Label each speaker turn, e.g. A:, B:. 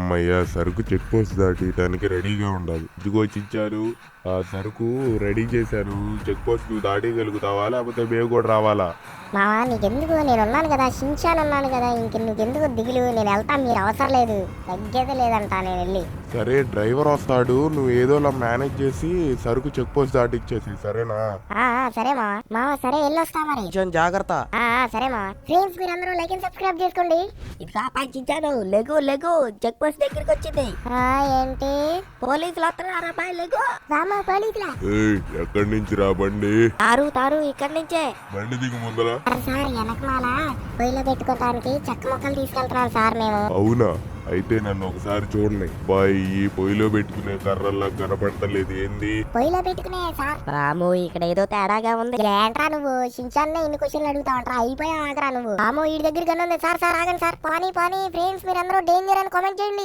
A: అమ్మయ్య సరుకు check post దాటడానికి రెడీగా ఉండాలి. ఇదిగో చిచ్చారు, ఆ సరుకు రెడీ చేశాను. చెక్ పోస్ట్ నువ్వు దాటగలుగుతావా లేకపోతే మేము కూడా రావాలా?
B: మావా నీకెందుకు, నేను ఉన్నాను కదా, షించాన్ ఉన్నాను కదా, నీకెందుకు దిగులు, నేను వెళ్తాను, మీరు అవసరం లేదు, తగ్గేదే లేదంట నేను వెళ్ళి.
A: సరే డ్రైవర్ వస్తాడు, నువ్వు ఏదోలా మేనేజ్ చేసి సరుకు చెక్ పోస్ట్ దాటిచ్చేసి సరేనా?
B: సరే మావా సరే వెళ్ళొస్తా మరి.
C: కొంచెం జాగ్రత్త.
B: సరే మావా. ఫ్రెండ్స్ మీరందరూ లైక్ అండ్ సబ్స్క్రైబ్ చేసుకోండి.
D: ఇదిగా పంచాను, లెగు చెక్ పోస్ట్ దగ్గరికి వచ్చింది.
B: ఏంటి
D: పోలీసులు వస్తున్నారు అబ్బాయి, లెగు.
B: రామా పోలీసులా?
A: ఎక్కడి నుంచి రా బండి?
D: తారు ఇక్కడి నుంచే.
A: బండి దిగు ముందర.
B: సార్ వెనకమాల పొయ్యిలో పెట్టుకోవడానికి చెక్క మొక్కలు తీసుకెళ్తున్నాను సార్ మేము.
A: అవునా, అయితే నన్ను ఒకసారి చూడండి. బాయ్, ఈ పొయ్యిలో పెట్టుకునే కర్రల్లా కనపడతలేదు ఏంది?
B: పొయ్యిలో పెట్టుకునే సార్.
D: రాము ఇక్కడ ఏదో తేడాగా ఉంది.
B: ఏంట్రా నువ్వు షించాన్నే ఇన్ని క్వశ్చన్లు అడుగుతా ఉంటా, అయిపోయా ఆగరా నువ్వు. రామో ఈ దగ్గరికి ఉంది సార్. ఆగండి సార్. పానీ ఫ్రెండ్స్ మీరందరూ డేంజర్ అని కామెంట్ చేయండి.